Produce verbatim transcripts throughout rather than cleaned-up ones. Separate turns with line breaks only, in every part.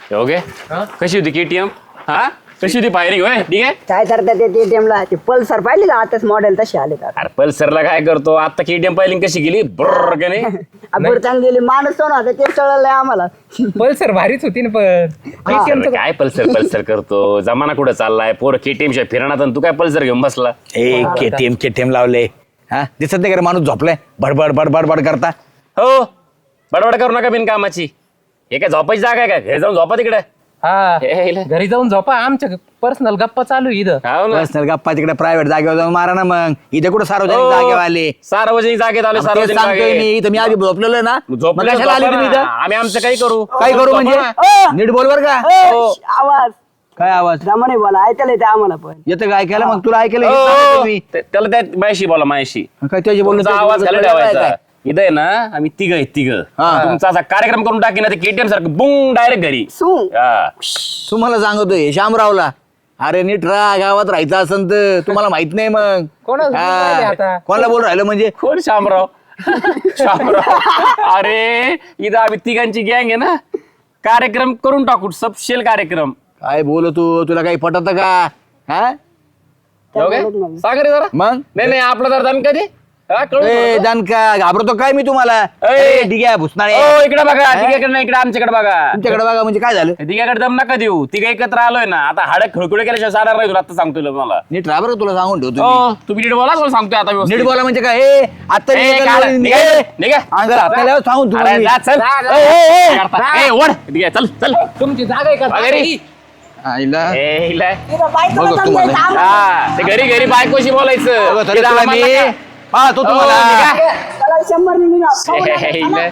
Okay कशी होती KTM हा कशी होती फायरिंग होय ठीक आहे
काय करतात ते एटीएमला ते पल्सर पाहिली का आताच मॉडेल तसे आले का
अरे पल्सरला काय करतो आता केटीएम फायरिंग कशी गेली ब्रर का नाही
आपण चांगली गेली माणूस तो ना ते चढलंय आम्हाला
पल्सर भारीच होती ना पण
अरे काय पल्सर पल्सर करतो जमाना कुठं चाललाय पोर केटीएम शिवाय फिरणार आणि तू काय पल्सर घेऊन बसला
ए केटीएम केटीएम लावले हा दिसत नाही का रे माणूस झोपलाय बडबड बडबड बड करता
हो बडबड करू नका बिनकामाची हे काय झोपायची जागा आहे का घरी जाऊन झोपा तिकडे
हा
हे इला.
घरी जाऊन झोपा आमच्या पर्सनल गप्पा चालू आहे इथं
हो ना
पर्सनल गप्पा तिकडे प्रायव्हेट जागेवर जाऊन मारा ना मग इथे कुठं सार्वजनिक
हो.
जागेवर आले
सार्वजनिक जागेत आलो
तेच
सार्वजनिक
सांगतोय
जागेत.
मी इथं मी आधी झोपलेलो ना मग
झोपलं
कशाला आली तुम्ही
झोपा
इथं
ना. आम्ही आमचं काही करू
काय करू म्हणजे
झोपा
नीट बोलवर का
ए, आवाज
काय आवाज
रमणे बोला ऐकायला येते आम्हाला पण
येतं का ऐकायला मग तुला ऐकायला
ना.
येत नाही
हो,
तुम्ही.
ते- त्याला त्या मायाशी बोला मायाशी
काय त्याची बोलणं
तुमचा
त्याची
आवाज
बोलणं
खाली
तुला
ठेवायचा
काय?
इथं आहे ना आम्ही तिघ आहे तिघ
हा.
तुमचा असा कार्यक्रम करून टाकी ना ते केटीएम सारखं बुंग डायरेक्ट घरी
सू
हा.
तुम्हाला सांगतोय शामरावला अरे नीट राहा गावात राहायचं असन तर तुम्हाला माहित नाही मग
कोणाला
हा.
बोलून राहिले आता?
कोणाला बोल राहिलं म्हणजे
कोण शामराव शामराव अरे इथं आम्ही तिघांची गँग आहे ना कार्यक्रम करून टाकू सबशेल कार्यक्रम
काय बोलतो तुला काही पटत का हा
ओके सांग रे जरा
मग
नाही नाही आपलं जरा दण कधी हा, कळून
ए
थोडं.
जानका घाबरतो काय मी तुम्हाला
ए.
ए, ठीक आहे भुसनाळे
ओ इकडे बघा तिघाकडे नाही इकडे आमच्याकडे बघा
तुमच्याकडे बघा म्हणजे काय झालं
तिघाकडे दम नका देऊ तिघ एकत्र आलोय ना आता हाडक खळखुळे केल्याशिवाय सारा नाही तुला आता सांगतोय मला
नीट राहा बरं तुला सांगून ठेवतो मी.
हो तुम्ही नीट बोला तुला सांगतोय आता व्यवस्थित.
नीट बोला म्हणजे काय ए आता
ए,
निघा,
काढा,
निघा,
निघा,
निघा.
निघा.
अंगाला हात नाही लावत, सांगून तुम्हाला
अरे
मी.
जा, चल.
ए, ए, ए.
काय करता? ए, ओढ. ठीक आहे, चल चल
तुमची जागा आहे का
बघा रे.
आईला.
ए, हिला.
बघ तुम्हाला.
हा, ते घरी घरी बायकोशी बोलायचं
बघा, तरी
तिला
तुला
आम्हाला
मी
काय?
पाहतो
हो,
तुम्हाला
निघा.
शंभर
ए, हिला.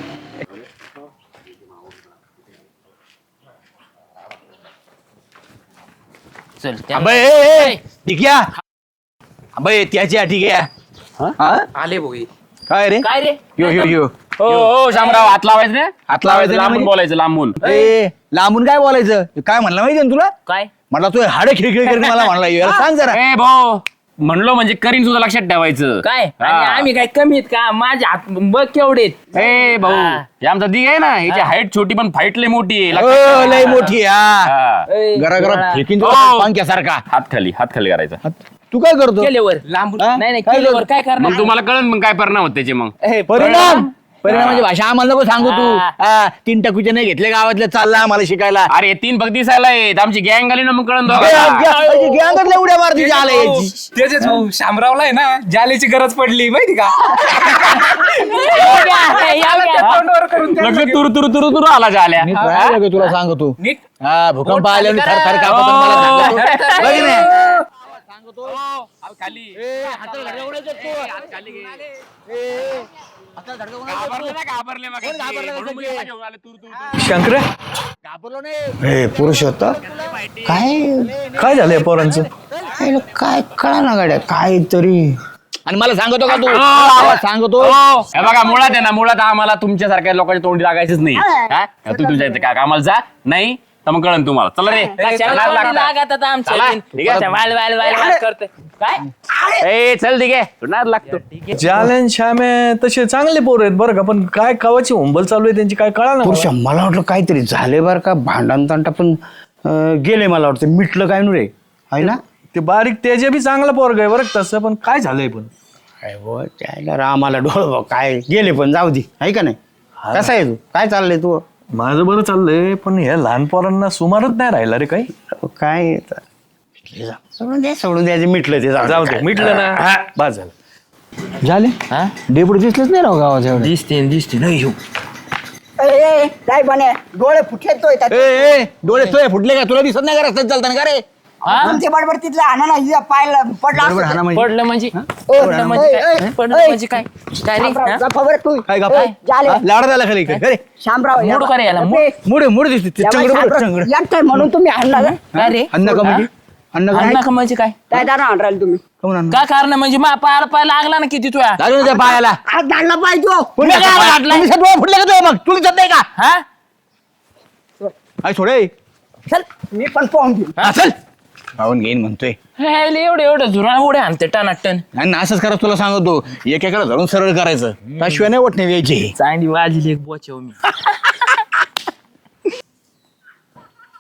चल
अबे, ए, ए, ठीक आहे अबे त्याची आहे, ठीक आहे हा?
आले भाऊ
काय रे
काय रे
यो यो यो
हो हो शामराव हात लावायचं ना
हात लावायचं
लांबून
म्हणजे?
बोलायचं लांबून
ए लांबून काय बोलायचं काय म्हणलं माहिती ना तुला
काय
म्हटलं तू हाडे खिळखिळ करून मला म्हणला याला सांग जरा
ए भाऊ म्हणलो म्हणजे करीन सुद्धा लक्षात ठेवायचं
काय
हा.
आणि आम्ही काय कमी आहेत का माझ्या हात बघ केवढे आहेत.
ए भाऊ
हा.
हे आमचा दिग आहे ना याची हाईट छोटी पण फाईट लय मोठी आहे
ओ,
लक्षात ठेवा.
लय मोठी हा
हा.
ए,
गरा गरा
गोळा.
फेकीन
ओ.
तुला पंख्यासारखा
हात खाली हात खाली करायचा
तू काय करतो
केल्यावर लांबून
हा?
नाही नाही
काय
केल्यावर
करतो?
काय करणार
मग तुम्हाला कळन मग काय परिणाम होत त्याचे मग
ए,
परिणाम परिणामाची भाषा आम्हाला नको सांगू तू
हा.
हा, तीन टकूचे नाही घेतले गावातले चालला आम्हाला शिकायला
अरे हे तीन भक्ती दिसायला आहेत आमची गँग आली ना मग कळन
ए,
दोघांना.
ग- ग- गँगातल्या उड्या मारती आला याची
त्याच्याच भाऊ शामरावला आहे ना जालीची गरज पडली माहिती का याला त्या तोंडावर करून त्या-
लक्ष तुरु तुरु तुरु तुरु आला झाल्या
नीट राहायला ग तुला सांगतो
नीट
हा भूकंप आल्याने
पोट
थर थर
खाली
कापत
करा.
मला सांगतो
हो.
बघ ना.
शंकर
घाबरलो नाही
हे पुरुष होता काय काय झालंय पोरांचं हे काय कळा ना गाड्या काय तरी
आणि मला सांगतो का तू
हो.
आवाज सांगतो
हो. हे बघा मुळात आहे ना मुळात आम्हाला तुमच्यासारख्या लोकांच्या तोंडी लागायचंच नाही हा? तू तुमच्या इथे काय कामाला जा नाही तर मग कळन तुम्हाला चला रे
कशाला
नाद
तोंडी
लागता.
लागत आता आमच्या
चला,
बिन?
ठीक आहे.
त्या वाल वाल वाल वाल करतोय. काय
ए चल ठीक आहे नाद लागतो
जालन श्यामे तसे चांगले पोर आहेत बरं का पण काय कवाची हुंबल चालू आहे त्यांची काय कळा ना
पुरुष मला वाटलं काहीतरी झाले बरं का भांडण तांटा पण अं, गेले मला वाटतं मिटलं काय नु रे आहे ना
ते बारीक तेजे बी चांगला पोरग आहे बरं का तसं पण काय झालंय पण
काय बुवा, त्याला रामाला डोळ बघ काय गेले पण जाऊ दे आहे का नाही कसा आहे तू काय चाललंय तू
माझं बरं चाललंय पण ह्या लहान पोरांना सुमारच नाही राहिला रे काही
काय आहे तर? मिटले जा. सोडून द्या सोडून द्यायचे मिटलं ते
जाऊ दे
काय.
मिटलं ना
हा.
बस झालं
झाले डेपुटी दिसलेच नाही राव गावात एवढे
दिसते दिसते नाही येऊ
काय बने डोळे फुटले तो येतात
ए ए डोळे तुझे फुटले का तुला दिसत नाही का रस्त्यात चालताना का रे
आमचे बडबड तिथलं आणा ना हिला पायला पडला
बरोबर हाना म्हणजे
पडलं म्हणजे
ओ,
पडलं म्हणजे
ए,
काय
ए,
पडलं
ए.
म्हणजे काय काय रे हा?
खबर तू
काय गप्पा
ए, झाले
लाडा झाला खाली अरे
शामराव या
मूड
बा-
करे याला,
ए,
मूड.
मुडे मुडे दिसते ते
या बाई,
चंगड
शामराव,
चंगड
एकटंय म्हणून तुम्ही आणला का
काय रे
अन्न का म्हणजे अन्न का
अण्णा का म्हणजे काय
काय दारा आण राहिले तुम्ही
काहून अन्न?
काय कारण म्हणजे मा पायाला पाय लागला ना किती तुया
लागलं ना त्या पायाला
आज दांडला पाहिजे
पुन्हा काय
पाय
लागलं? तुम्ही डोळे फुटले का तुझे मग तुला दिसत नाही का
हा
आई सोडे
चल मी पण पाहून घेईन
हा, चल पाहून घेईन म्हणतोय
हे लय एवढे एवढे झुरा उडे आणते टनाटन
आणि ना असंच करा तुला सांगतो एकेकडे धरून सरळ करायचं त्याशिवाय नाही वाटणे यायची
चांदी वाजली एक बोचव मी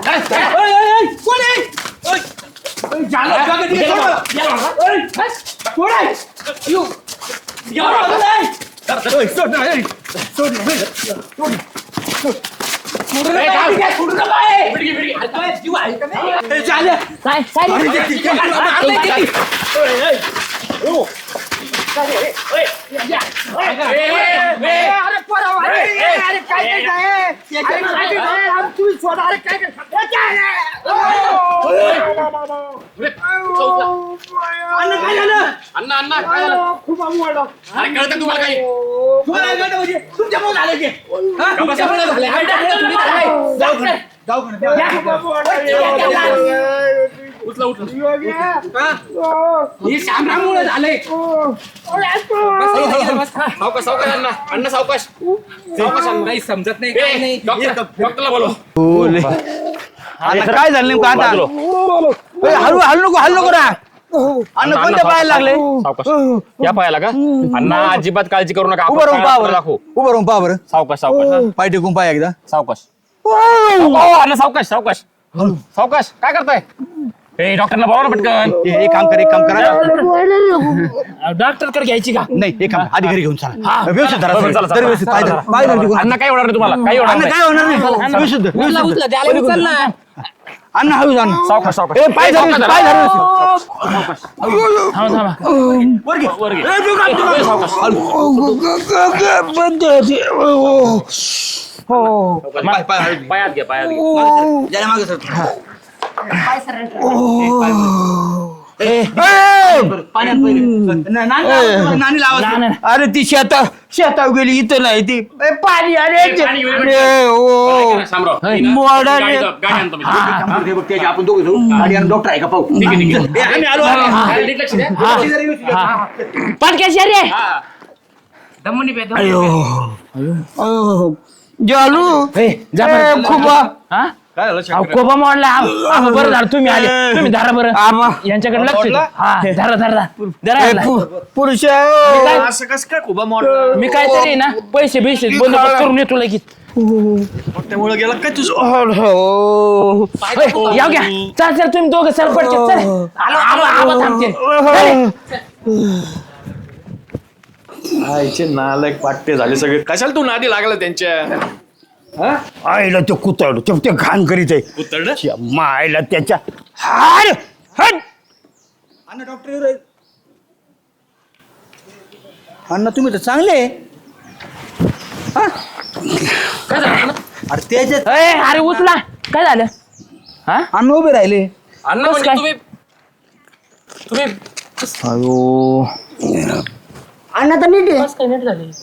अण्णा अण्णा काय झालं? अरे कळतं तुम्हाला काही? उचला उचला हे श्यामरावमुळे झालंय. सावकाश सावकाश अण्णा अण्णा सावकाश सावकाश अण्णा.
काही समजत नाही काही नाही.
डॉक्टर डॉक्टरला बोलवा.
आता काय झालं नेमकं आता ए, हळू हळू नको हळू नको ना अन्न कोणत्या पायाला लागले
सावकाश या पायाला का अण्णा अजिबात काळजी करू नका.
उभं राहून पहा
आपण
बरं
दाखवू.
उभं राहून पहा बरं
सावकाश सावकाश
पाय टेकून पाय एकदा
सावकाश अण्णा सावकाश सावकाश सावकाश काय करताय? ए डॉक्टरला बोलवा ना पटकन.
ए, एक काम कर एक काम करा
डॉक्टर कडे घ्यायची का?
नाही एक काम आधी घरी घेऊन चला व्यवस्थित धरा
बरं,
सगळं.
चला, चला.
जरा व्यवस्थित पाय धरा. पाय धरा तिकडून.
अण्णा काय होणार नाही तुम्हाला काही होणार
अन्न
नाही.
काय होणार नाही व्यवस्थित धर,
उचला
व्यवस्थित
उचला
धर.
द्यायला उचल ना.
अन्न हळू जा ना.
सावकाश सावकाश
ए, पाय धर
सावकाश
पाय धर
थांबा थांबा.
वर घे. ए, सावकाश.
पाय पाय हळू.
पायात घ्या पायात घ्या.
जरा मागे सर. पाण्यात नानी लावा.
अरे ती शेता शेताव गेली इथं नाही ती ए, पाणी अरे
ए, पाणी, वेळ, वेळ.
ए, ओ.
शामराव.
मोडा
गाडी
रे.
गाडी आणतो मी.
काम करते बघ, त्याचे आपण दोघं जाऊ गाडी आणि डॉक्टर आहे का पाहू.
ठीक आहे ठीक आहे.
ए, आम्ही आलो आम्ही.
हा, नीट लक्ष द्या.
पटक्याशी रे.
हा.
दमनी पे
अयो. जालू
जा
ए,
बरं.
खूप
हा? अहो, कोबा मोडला आ- आ, बरं झालं तुम्ही आले. तुम्ही धरा बरं यांच्याकडे लक्ष द्या. हा धरा धरा धरा. धरा याला.
पुरुष
असं कसं काय खूप मोड
मी काहीतरी ना पैसे बिशे बंदोबस्त करून येतो लगेच.
त्यामुळे गेला काय तुझं.
होय, याव घ्या चल चल तुम्ही दोघं सर पडचे चल. आलो आलो आलो थांबते.
आईचे नालायक पाट्टे झाले सगळे. कशाला तू नादी लागला त्यांच्या?
आईला ते कुतड ते ते घाण करीत आहे
कुतरड?
त्या मायला त्याच्या हार हट
अण्णा डॉक्टर अण्णा तुम्ही तर चांगले आहे. हा? अरे त्याच्यात
अय, अरे उचला काय झालं? हा
अण्णा उभे राहिले.
अण्णा
कसं
म्हणजे
काय?
तुम्ही तुम्ही
अयो
अण्णा तर नीट आहे.
काय नीट झाले.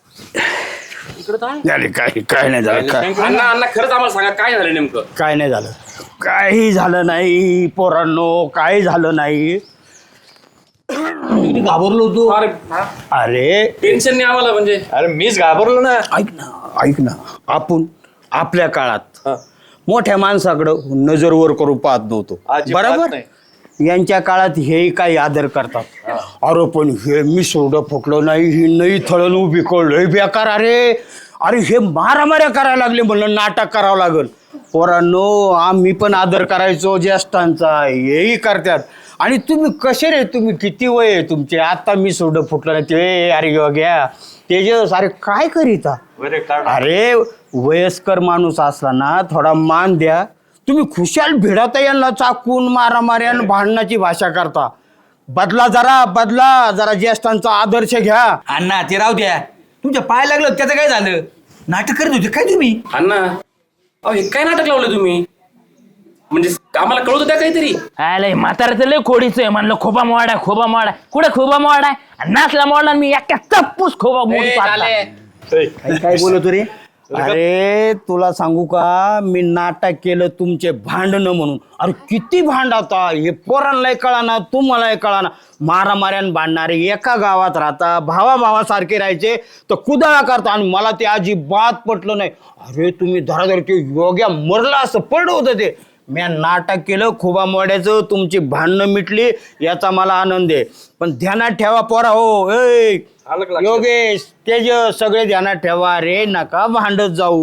झाले काय काय नाही झालं काय
अण्णा अण्णा खरंच आम्हाला सांगा काय झालं नेमकं?
काय नाही झालं काही झालं नाही पोरांनो काही झालं नाही
किती घाबरलो होतो.
अरे
अरे
टेन्शन नाही आम्हाला म्हणजे.
अरे मीच घाबरलो ना.
ऐक ना ऐक ना आपण आपल्या काळात मोठ्या माणसाकडं नजर वर करून पाहत नव्हतो
अजिबात
बरोबर
नाही.
यांच्या काळात हे काही आदर करतात अरे पण हे मी सोडं फुकलं नाही ही नाही थळण उभी कळलं बेकार अरे अरे हे मारामाऱ्या करायला लागले म्हणलं नाटक करावं लागल पोरांनो आम्ही पण आदर करायचो ज्येष्ठांचा हेही करतात आणि तुम्ही कसे रे तुम्ही किती वय आहे तुमचे आता मी सोडं फुटलं नाही ते अरे घ्या तेजस अरे काय करीता
बरे काढ.
अरे वयस्कर माणूस असला ना थोडा मान द्या तुम्ही खुशाल भिडाता यांना चाकून मारामाऱ्या भांडणाची भाषा करता बदला जरा बदला जरा ज्येष्ठांचा आदर्श घ्या
अण्णा ते राहू द्या. तुमच्या पाय लागलं त्याचं काय झालं. नाटक करत होते काय तुम्ही.
अण्णा अहो हे काय नाटक लावलं तुम्ही म्हणजे आम्हाला कळवत द्या काहीतरी.
आलंय म्हाताऱ्याचं लय खोडीच आहे म्हणलं खोबा मोडा खोबा मोडा कुठे खोबा मोडा आणि नाचला मोडला मी एका चप्पूस खोबा मोडू
ए,
पाहता.
झाले.
काय बोलतो रे अरे तुला सांगू का मी नाटक केलं तुमचे भांडणं म्हणून अरे किती भांडता हे पोरांनाही कळाना तुम्हालाही कळाना मारामाऱ्यान भांडणारे एका गावात राहता भावा भावासारखे राहायचे तर कुदळा करता आणि मला ते अजिबात पटलं नाही अरे तुम्ही धराधरचे योग्या मरला असं पडलं होतं ते मी नाटक केलं खोबा मोड्याचं तुमची भांडणं मिटली याचा मला आनंद आहे पण ध्यानात ठेवा पोरा हो ए योगेश तेज सगळे ध्यानात ठेवा रे नका भांडत जाऊ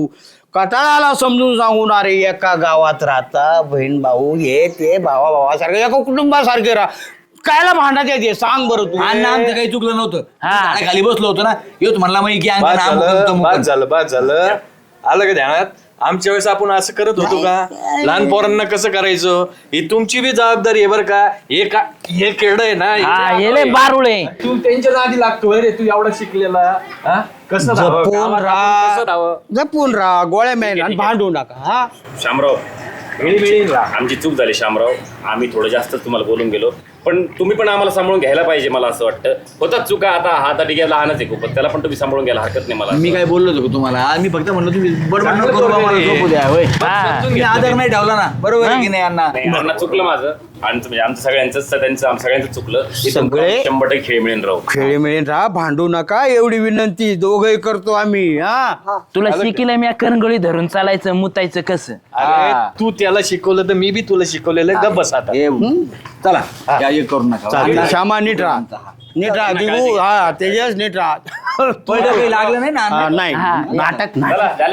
कटाळा आला समजून सांगून अरे एका गावात राहता बहीण भाऊ हे ते भावा भावासारखे एका कुटुंबासारखे राहा कायला भांडत येते सांग बरं तू
अण्णा आमचं काही चुकलं नव्हतं
हा.
झाडा खाली बसलो होतो ना येत म्हणला मग की
बाद
अंगण अमुक
झालं
तमुक.
बाद झालं बाद झालं आलं का ध्यानात आमच्या वेळेस आपण असं करत होतो का लहान पोरांना कसं करायचं ही तुमची बी जबाबदारी आहे बरं का हे का हे केड आहे ना
हा येले बारुळे
तू त्यांच्या नादी लागतो रे तू एवढा शिकलेला हा? कसं राहावं?
जपून
गावात आपण कसं राहावं?
राहा जपून राहा गोळ्या मेन आणि भांडू नका हा
शामराव आमची चूक झाली शामराव आम्ही थोडं जास्त तुम्हाला बोलून गेलो पण तुम्ही पण आम्हाला सांभाळून घ्यायला पाहिजे मला असं वाटतं होतात चुका आता हा आता ठीक आहे लहानच आहे खूप पण त्याला पण तुम्ही सांभाळून घ्यायला हरकत नाही मला
मी काय बोललो होतो का तुम्हाला मी फक्त म्हणलं तुम्ही बरोबर नको करू बा, मला झोपू द्या होय तुम्ही आदर नाही ठेवला ना बरोबर आहे की नाही अण्णा
नाही, अण्णा चुकलं माझं आणि म्हणजे आमचं सगळ्यांचं त्यांचं आम- सगळ्यांचं चुकलं इथून
सगळे-
शंभर टक्के खेळ मिळेल राहू
खेळी मिळेल राहा भांडू नका एवढी विनंती दोघही करतो आम्ही हा
तुला शिकिलं मी करंगळी धरून चालायचं मुतायचं कसं
अरे तू त्याला शिकवलं तर मी बी तुला शिकवलेलं गप बस आता
ए, चला या एक करू नका
चालेल. श्यामा नीट राहा नीट राहा दिगू हा तेजस नीट राहा
पहिलं काही लागलं नाही ना
हा,
अण्णा?
नाही
हा.
नाटक नाही
चला, झाले.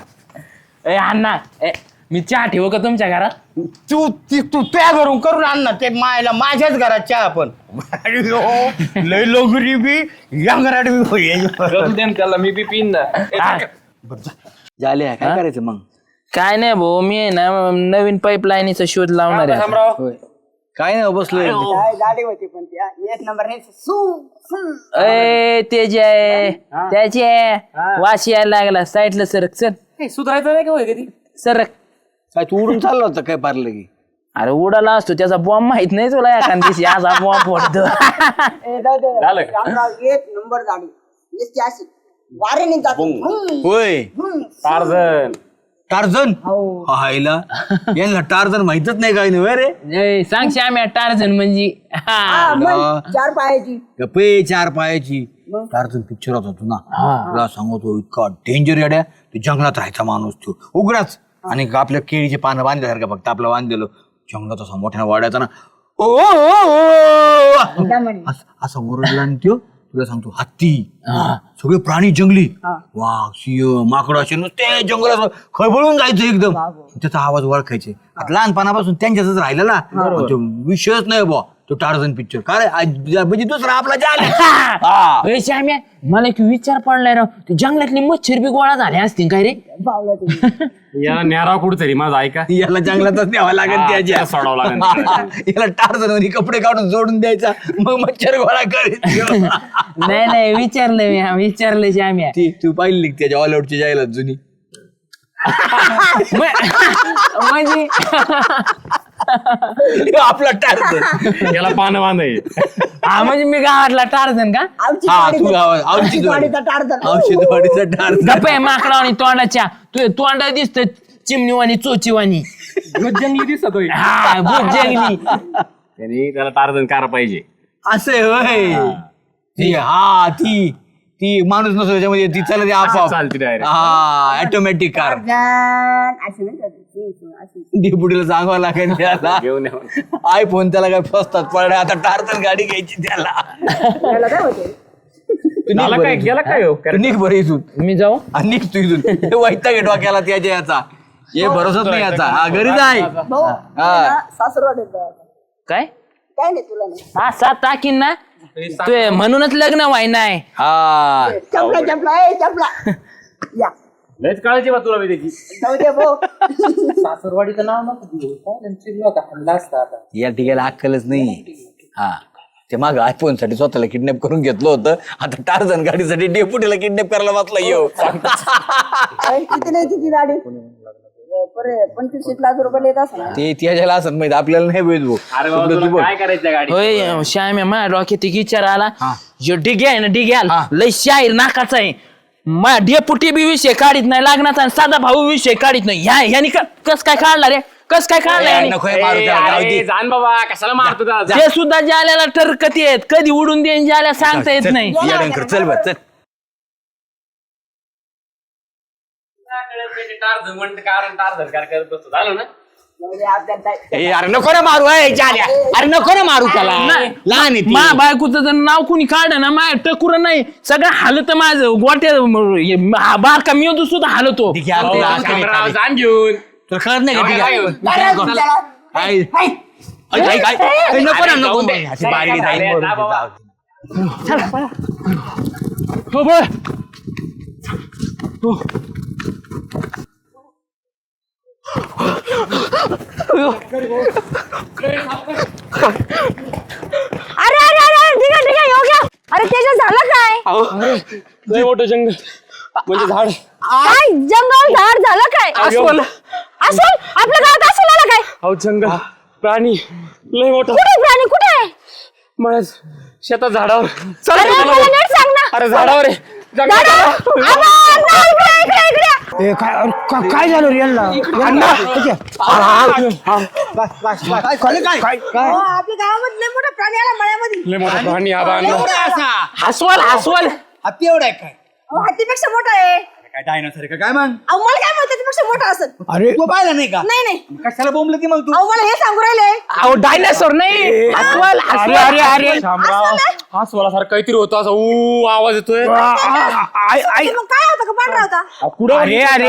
ए अण्णा ए, मी चहा ठेवू का तुमच्या घरात
तू ती तू त्या घरून करून आण ना ते मायला माझ्याच घरात चहा पण लय लोगरी बी या घरात बी होईल.
करू दे ना त्याला मी बी पिन ना ए,
हा.
झाले काय करायचं मग
काय नाही भाऊ मी आहे ना नवीन पाईपलाईनीचा शोध लावणार आहे
शामराव
काय नाही बसलोय
काय गाडी होती पण त्या एक नंबर नाही सू सू
ए तेज आहे त्याचे वाशी यायला लागला साईडला सरक चल
सुधारायचं नाही का होय कधी
सरक
काय तू उडून चालला होता काय पारलं की
अरे उडाला असतो त्याचा बॉम्ब माहित नाही तुला एखाद दिवशी असा बॉम्ब फोडतो
ए, जाऊ दे.
झालं का?
शामराव, एक नंबर गाडी नुसती अशी वारेने जाते हम्म,
होय
हम्म.
टार्झन
टार्झन हायला यांना टार्झन माहितच नाही काय नाही रे
ए, सांग श्याम्या टार्झन म्हणजे हा.
हा, मग चार पायाची
गप्पे चार पायाची टार्झन पिक्चरात होतो ना तुला सांगतो इतका डेंजर येड्या ते जंगलात राहायचा माणूस तो उघडाच आणि आपल्या केळीचे पानं बांधल्यासारखं फक्त आपलं बांधलेलं जंगलात असा मोठ्यानं वाढायचा ना ओ ओ, ओ, ओ.
दमणी.
असं- असा ओरडला आणि त्यो तुला सांगतो हत्ती सगळे प्राणी जंगली वाघ सिंह माकड असे नुसते जंगलात खळबळून जायचं एकदम त्याचा आवाज ओळखायचे आता लहानपणापासून त्यांच्यातच राहिलेला तो विषयच नाही बुवा तो टार्झन पिक्चर का रे आज- म्हणजे दुसरा आपला जाल
ए, श्याम्या मला एक विचार पडलाय राव ते जंगलातली मच्छर बी गोळा झाले असतील काय रे
पावलं तुम्ही.
याला न्यारा कुठतरी माझा ऐका
याला जंगलातच न्यावा लागेल
हा,
त्याच्या
त्याला सोडावं लागेल.
याला टार्झन मध्ये कपडे काढून जोडून द्यायचा मग मच्छर गोळा करायची
नाही नाही विचारलं मी हा, विचारलं श्याम्या
ती तू पाहिली का त्याच्या ऑलआउटची जाहिरात जुनी
म- म्हणजे
आपला टार्झन
याला पानं बांधाय
हा म्हणजे मी गावातला टार्झन का
आमची
हा
गाडी
तू
तर-
गावात औषध
गाडीचा टार्झन.
औषधवाडीचा टार्झन
गप्प आहे माकडा आणि तोंडाच्या तू तोंडा दिसत चिमणीवाणी चोचीवाणी
जंगली दिसत होय
हा भूत जंगली
त्यांनी त्याला टार्झन कार पाहिजे
असं आहे होय ती हा ती ती माणूस नसतो त्याच्यामध्ये ती चालते आपोआप
चालते direct.
हा ऑटोमॅटिक कार
टार्झन. अशी नाही का ती? ती- ती- अशी.
डेपुटीला सांगावं लागेल त्याला
घेऊन या.
आयफोन त्याला काय फसतात पडल्या आता टार्झन गाडी घ्यायची त्याला
त्याला काय होते
तू निघ
झालं
बरं
काय
इथून.
गेला काय हो?
तू निघ बरं इथून
मी जाऊ
आणि निघ तू इथून वैता घे डोक्याला त्याच्या याचा हे भरोसाच नाही याचा हा घरी जाय
भाऊ
हा.
सासरवाड येतं.
काय
काय नाही तुला नाही
हा सात टाकीन ना तू म्हणूनच लग्न व्हाय नाही
हा
चपला चपला ए चपला या
लयच काळजी बा तुला मी त्याची
जाऊ दे भाऊ
सासरवाडीचं नाव नको
या ठिकाणी अक्कलच नाही हा ते माग आयफोन साठी स्वतःला किडनॅप करून घेतलं होतं आता टार्झन गाडीसाठी डेपुटीला किडनॅप करायला वाचला येऊ
अरे, किती नाही किती गाडी बरं पंचवीस लाख रुपये येत असं
ते त्याच्याला असं माहिती आपल्याला नाही माहित भाऊ.
अरे बाबा
तुला तू
तुला
बघ.
काय करायचं गाडी
होय श्याम्या माझ्या डोक्यात एक विचार आला जो डिग्या आहे ना डिग्याल लय शाहीर नाकाचा आहे मा डेपुटी बी विषय काढीत नाही लागणार आणि साधा भाऊ विषय काढीत नाही ह्या ह्यानी क- कस काय काढला रे कस काय काढला
ए,
ह्यानी?
नको हे मारू त्याला, जाऊ दे.
अरे, जाण बाबा कशाला मारतो त्याला?
ते सुद्धा जाल्याला ठरकत येत कधी उडून देईन जाल्या सांगता येत नाही
येड्यांकर, चल बरं चल
टार्झन म्हणते कारण टार्झन कार करत बसतो झालं ना
ए, अरे नको ना मारू ए, जाल्या. अरे नको ना मारू त्याला लहान आहे ती.
मा बायकोचं जर नाव कुणी काढ ना माय टकुर नाही सगळं हालत माझं गोट्या बारका मी होतो सुद्धा हालतो
ठीक आहे, आपल्याला असं नाही
शामराव,
चालेल.
जाण घेऊन
तुला कळत नाही का ठीक आहे?
बरं, तुमच्याला.
काय? ऐक, ऐक, ऐक. ए, नको ना नको अशी बारडी जाईल
अरे,
मरून
जा
ते,
बाबा.
जाऊ दे.
हो बळ
अरे अरे अरे ठीक आहे ठीक आहे येऊ घ्या. अरे त्याच्यात झालं काय
लय मोठं जंगल म्हणजे झाड
काय जंगल झाड झालं काय
अस्वल.
अस्वल आपल्या गावात अस्वल आला काय
अहो जंगल प्राणी लय मोठा
कुठे प्राणी कुठे आहे
मला शेतात झाडावर चला
अरे
चला.
मला नीट सांग ना
अरे झाडावर आहे जंगलात
दादा,
चला.
आबा, आबा, इकडे इकडे इकडे
ए, काय अरे, का- काय झालं रे यांना यांना? ठीक आहे. काय काय काय काय काय
हो, आपल्या गावामध्ये लय मोठा प्राणी आला मळ्यामध्ये.
लय मोठा प्राणी आबा आणला.
एवढा असा
अस्वल अस्वल
हत्ती एवढा आहे काय
अहो, हत्तीपेक्षा मोठा आहे.
काय डायनासोर आहे का काय मग
अहो मला काय म्हणतात त्याच्यापेक्षा मोठा असेल.
अरे
तू पाहिला नाही का
नाही नाही
कशाला बोंबलं ती मग तू
अहो मला हे सांगू राहिले.
अहो डायनासोर नाही अस्वल
अरे अरे अरे
शामराव अस्वलासारखं काहीतरी होतं असं ऊ आवाज येतोय
आय- आय-
मग काय होतं का पांढरा होता.
अरे अरे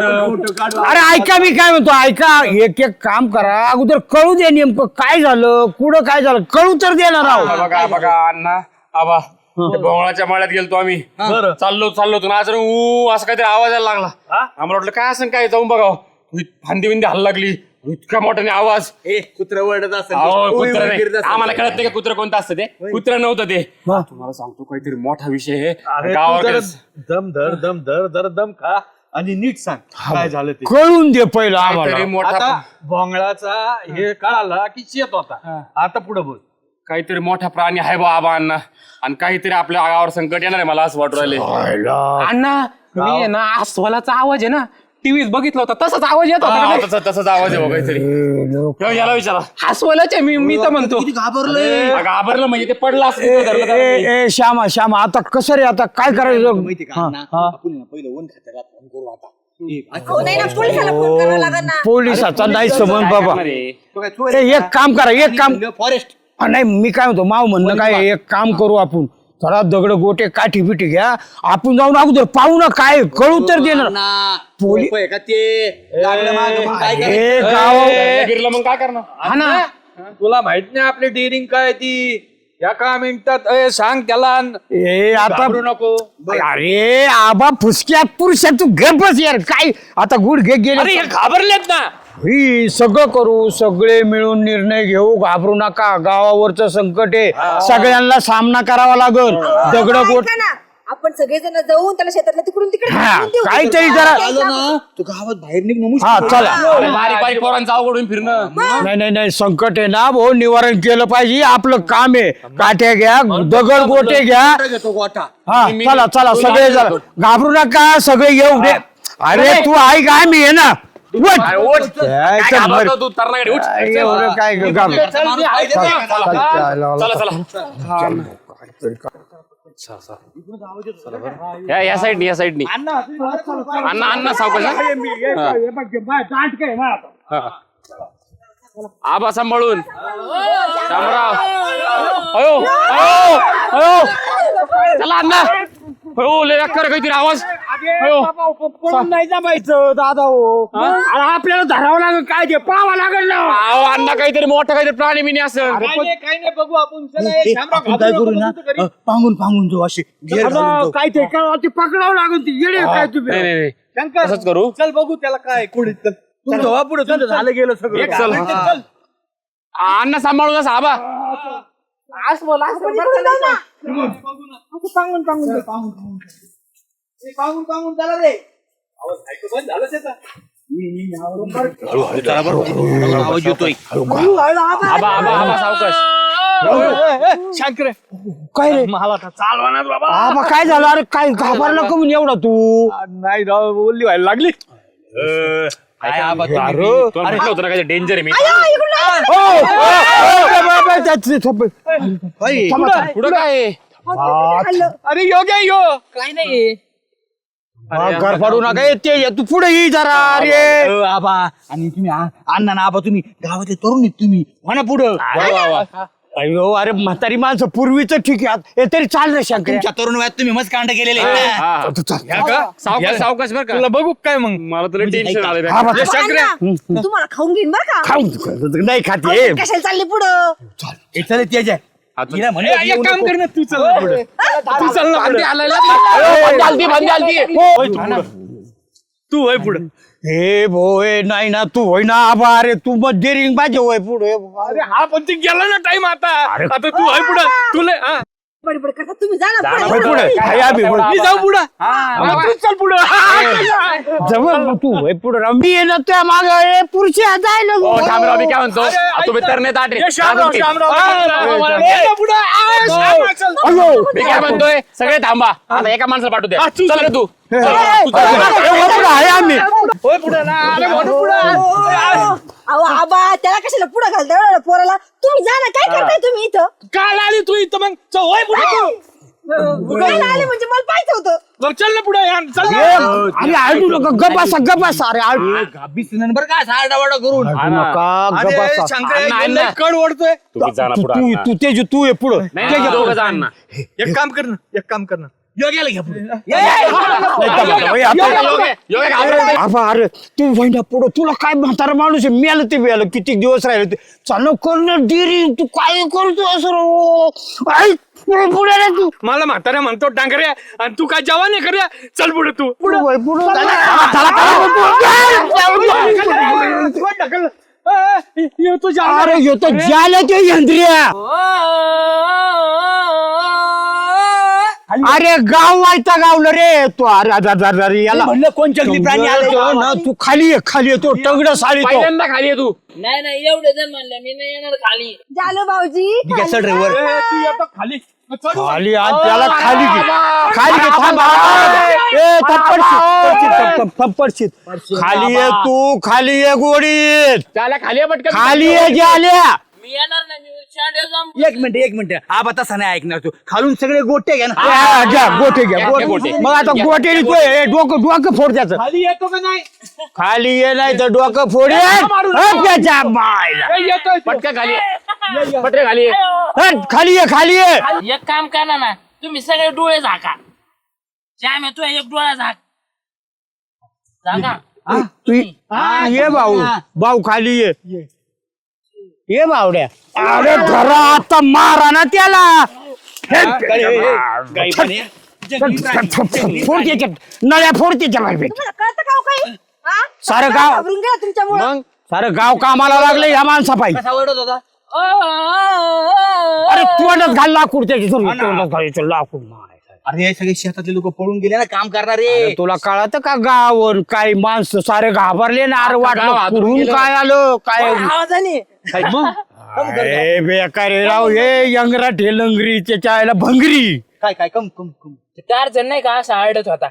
अरे ऐका मी काय म्हणतो ऐका एक एक काम करा अगोदर कळू दे नेमकं काय झालं कुठं काय झालं कळू तर दे ना राव
बघा बघा अण्णा आबा ते बोंगळाच्या माळ्यात गेलतो आम्ही चाललो चाललो होतो ना आज ऊ असं काहीतरी आवाज यायला लागला आम्हाला वाटलं काय असं काय जाऊन बघाव फांदी बिंदी हल्ला लागली इतका मोठ्याने आवाज
ए कुत्र वरडत असेल
अहो, कुत्रं नाही. आम्हाला कळत नाही का कुत्र कोणतं असतं ते कुत्र नव्हतं ते तुम्हाला सांगतो काहीतरी मोठा विषय आहे गावाकडे
दम धर दम धर धर दम खा आणि नीट सांग काय झालं ते
कळून दे पहिलं
काहीतरी
आम्हाला
मोठा
आता भोंगळाचा हे कळाला की शेत होता आता पुढे बोल
काहीतरी मोठा प्राणी आहे बा आबा अण्णा आणि काहीतरी आपल्या गावावर संकट येणार आहे मला असं वाटू राहिले
अण्णा मी आहे ना अस्वलाचा आवाज आहे ना टीव्हीत बघितला होता तसाच आवाज येत होता
हा,
का
तसं- तसंच आवाज आहे बा काहीतरी ह्यो, याला विचारा
नाही? अस्वलाच आहे मी मी तर म्हणतो
अगं, घाबरलं म्हणजे ते पडलं असं
ए,
धरलं त्याला
ए,
मी.
ए, श्यामा श्यामा आता कसं रे आता काय करायचं
माहिती का अण्णा? आपण ना पहिलं वन खात्याला फोन करू आता ए, असं
अहो नाही ना पोलिसाला फोन करावा लागेल ना.
पोलिसाचा नाही समज
काय
बाबा
करणार आहे?
तो काय चोर
ए,
आहे
एक काम करा एक काम
का? फॉरेस्ट
हा, नाही मी काय म्हणतो माव म्हणणं काय आहे, एक काम करू आपण थोडा दगड गोटे काठी बिठी घ्या आपण जाऊन अगोदर पाहू ना काय कळू तर देणार पोली-
पोली का ते लागलं मागं, मग काय करायचं?
हे गाव
ए, गिरलं मग काय करणार
हा ना
तुला माहित नाही आपली डेअरिंग काय ती या का मिनिटात ए, सांग त्याला
हे आता
घाबरू नको
अरे आबा फुसक्यात पुरुषा तू घे बस यार काय आता गुड घे
अरे
गेले
हे घाबरलेत ना
ही सगळं करू सगळे मिळून निर्णय घेऊ घाबरू नका गावावरचं संकट आहे सगळ्यांना सामना करावा लागल दगड गोट
ऐका ना आपण सगळेजण जाऊन त्याला शेतातल्या तिकडून तिकडे
हा,
ढकलून देऊ.
काहीतरी जरा-
आलं ना तू गावात बाहेर निघ ना
हा चला
अरे, बारीक बारीक पोरांचं अवघडून फिरणं
नाही नाही नाही संकट आहे ना भाऊ निवारण केलं पाहिजे आपलं काम आहे काठ्या घ्या दगड गोटे घ्या
घेतो गोटा
हा चला चला सगळे जरा घाबरू नका सगळे येऊ दे अरे तू ऐक काय मी आहे ना उठ.
अरे, उठ.
काय
काय
तर
घाबरतो
बरं.
तू तरणाकडे उठ.
काय एवढं काय घाबरू
चला चला या या साईडनी या साईडनी अण्णा अण्णा सावकाश हा. आबा सांभाळून शामराव अयो अयो अयो चला अण्णा हो लय कर काहीतरी आवाज अयो
नाही जमायचं दादा हो आपल्याला धरावं लागेल काय ते पाहावं लागेल ना
अहो अण्णा काहीतरी मोठं काहीतरी प्राणी बिनी असेल
काय नाही बघू आपण
ए, आपण काय करू ना अ, पांगून पांगून जाऊ अशी घेर घालून जाऊ.
काय ते काय ते पकडावं लागेल ती येडे काय तुम्ही
नाही नाही नाही.
शंकर
तसंच करू
चल बघू त्याला काय कुणी चल
तू जाऊ पुढे तुझं झालं गेलं सगळं
एक चल अण्णा सांभाळून असं आबा
आपण इकडून जाऊ ना.
पाहून पाहून चला रे बंद झालं त्याचा
हळूहळू चला बरोबर आवाज येतोय
आबा आबा आबा सावकाश
शंकर काय रे
मला चालवा ना बाबा
आबा काय झालं अरे काय घाबरला का म्हणून एवढा तू
नाही राव बोलली व्हायला लागली
काय आबा तुम्ही तुला म्हटलं होतं ना काय डेंजर आहे मी
ओ, ओ, ओ, बाबा, त्याची थोपे. थांबा, थांबा.
पुढं काय आहे?
अरे योग्य यो
काय नाही
घर फाडू नका ए, ते तू पुढे ये जरा अरे
अ, आबा आणि तुम्ही आ- अण्णा ना आबा तुम्ही गावातले तरुण आहेत तुम्ही म्हणा पुढं
अयो अरे म्हातारी माणसं पूर्वीच ठीक आहे हे तरी चाल रे शंकर
तुमच्या तरुण वयात तुम्ही मस्त कांड केलेले आहेत ना.
सावकाश सावकाश बरं का
तुला बघू काय मग
मला तुला टेन्शन आलं
हा, बा-
तुम्हाला खाऊन घेईन बरं का
खाऊन नाही खाते
कशाला चालली पुढं
हे चल तेज आहे हिला म्हणलं
ए, एक काम कर ना तू चल ना पुढे तू चल ना पुढे तू होय पुढे
हे भोय नाही ना तू होय ना आबा अरे तू मग डेरिंग पाहिजे होय पुढे
अरे हा पण ते गेला ना टाइम आता आता तू होय पुढे तुला हा
बडबड करता तुम्ही जा ना
होय
पुढे.
पुढे काय आबी होय.
मी जाऊ पुढे तू चल पुढे
जवळ मग तू होय पुढे राव. मी आहे ना त्या माग पुरुषी जायला
ओ शामराव मी काय म्हणतो आ, तुम्ही तर नाही ताट रे.
शामराव शामराव पुढे
अयो
मी काय म्हणतोय सगळे थांबा आता एका माणसाला पाठवू द्या
तू
चल रे तू
ए, होय पुढे आहे आम्ही
होय पुढे ना अरे म्हणून पुढे
अहो आबा त्याला कशाला पुढे घालता एवढ्या पोराला तुम्ही जा ना काय करताय तुम्ही इथं
काल आली तू इथं मग चल होय पुढे तू
काय आले म्हणजे मला पाहिजे होतं
मग चल ना पुढे चल
ए, अरे आळडू नका गपासा गपासा अरे आळडू
गाबी सुनन बरं का सारडावाडा करून
नका गपासा
अण्णा.
कड ओढतोय
तुम्ही जा ना
तू
पुढं
तू
अण्णा.
तू तेज तू ये पुढं
नाही, नाही, दोघं जा अण्णा.
एक काम कर ना एक काम कर ना
योग्याला घ्या पुढे
योगे, योगे घाबरत
आबा अरे तू वहिना पुढं तुला काय म्हातारा माणूस आहे मेलं ते मेलं किती दिवस राहिले ते चालू करणं डिरी तू काय करतो असं रो? आई, पुढे पुढे रे तू
मला म्हाताऱ्या म्हणतो डांगऱ्या आणि तू काय जवान आहे खऱ्या चल पुढे तू
पुढे वय, पुढे चला, चला, चला. अरे येतो ज्याला ते यंत्रिया अरे गाव व्हायचा गावलं रे तू अरे अरे, अरे, अरे, अरे याला
म्हणलं कोण जंगली प्राणी आले
ना तू खाली ये खाली येतो टंगड साळी तो
पहिल्यांदा खाली आहे तू
नाही नाही एवढे जण म्हणले मी नाही येणार खाली
झालं भाऊजी
ठीक आहे चल रे वर
तू येतो खाली
खाली आणि त्याला खाली घे खाली घे थांब ए थप्पडशीत थप्पडशीत खाली ये तू खाली ये गोडीत
त्याला खाली आहे पटकन
खाली ये जे आल्या
मी येणार नाही मी शांडे जाऊन
एक मिनिट एक मिनिट आबा तसा नाही ऐकणार तू खालून सगळे गोटे घ्या ना
हा, घ्या गोटे घ्या
घ्या,
गोटे
गोटे.
मग आता गोटे तू ए, डोकं डोकं फोड त्याचं
खाली येतो का नाही
खाली ये नाही तर डोकं फोड त्याच्या बायला
येतोय
पटकन खाली आहे. पटकन खाली आहे.
हट, खाली ये खाली ये
एक काम करा ना तुम्ही सगळे डोळे झाका श्याम तू एक डोळा झाक झाका
तू हा, ये भाऊ भाऊ खाली ये ये बावड्या अरे घरा आता मारा ना त्याला फोड त्याच्या नळ्या फोड त्याच्या बाहेर
तुम्हाला कळतं का हो काही हा?
सारं गाव-
घाबरून गेला तुमच्यामुळे
सारं गाव कामाला लागलं या माणसा पाहिजे
कसा ओरडत होता
अरे तोंडात घाल लाकूड त्याची तोंडात घालायचं लाकूड मारायचं.
अरे हे सगळे शेतातले लोक पळून गेले ना काम करणारे
अरे तुला कळत का गाव काय माणसं सारे घाबरले ना अरे
गाव
वाटलं
हादरून
कुठून
गेलं.
काय आलं काय
आवाजाने
अरे बेकार आहे राव हे यंगराठे लंगरी त्याच्या आईला भंगरी
काय काय कम कम कम
चार जण नाही का असा आरडत होता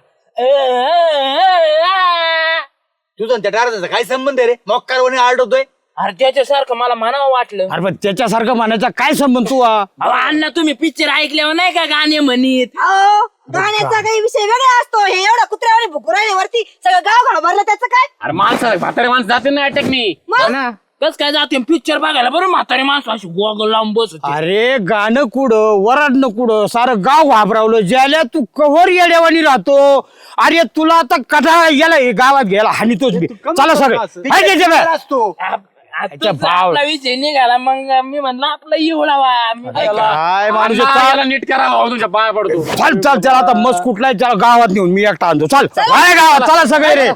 तुझं आणि त्या डारचा काय संबंध आहे रे मॉक्कारवाने आरडतोय
अरे त्याच्यासारखं मला म्हणावं वाटलं
अरे पण त्याच्यासारखं म्हणायचा काय संबंध तू हा?
अहो अण्णा तुम्ही पिक्चर ऐकल्यावर नाही का गाणे म्हणीत
अहो, गाण्याचा काही विषय वेगळा असतो हे एवढा कुत्र्यावर भुकुराने वरती सगळं गाव घाबरलं त्याचं काय
अरे माणसं म्हातारे माणसं जाते ना अटॅकनी
मग
कस काय जाते पिक्चर बघायला बरं म्हातारे माणसं अशी गोगल लावून बस
अरे गाणं कुठं वराडणं कुठं सारं गाव घाबरावलं ज्याला तू कव्हर येड्यावानी राहतो अरे तुला आता कथा याला हे गावात घ्यायला हानीतोच बी चला सगळे हाय त्याच्या बाहेर.
असतो
अच्छा, भाव.
आपला विषय निघाला मग मी म्हणलं आपला इवळावा मी
काय माणूस
अण्णा,
चाल
याला नीट करा भाऊ तुझ्या पाया पडतो
चल चल चल आता मस्त कुठलाय त्याला गावात नेऊन मी एकटा आणतो चल बाहेर गावात चला सगळे रे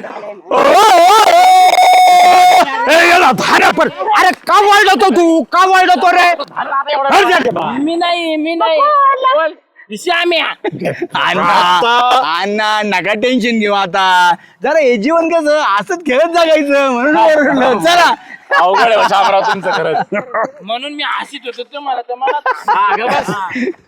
ए, याला भाड्या पण अरे का वाढतो तू का वाढतो रे अरे, जा ते बा.
मी नाही मी नाही श्याम्या
अण्णा अण्णा नका टेन्शन घेऊ आता जरा हे जीवन कसं असंच खेळत जगायचं म्हणून ओरडलं. चला
अवघड आहे शामराव तुमचं खरंच
म्हणून मी हसीत होतो तुम्हाला तर मला
हा, ग बस.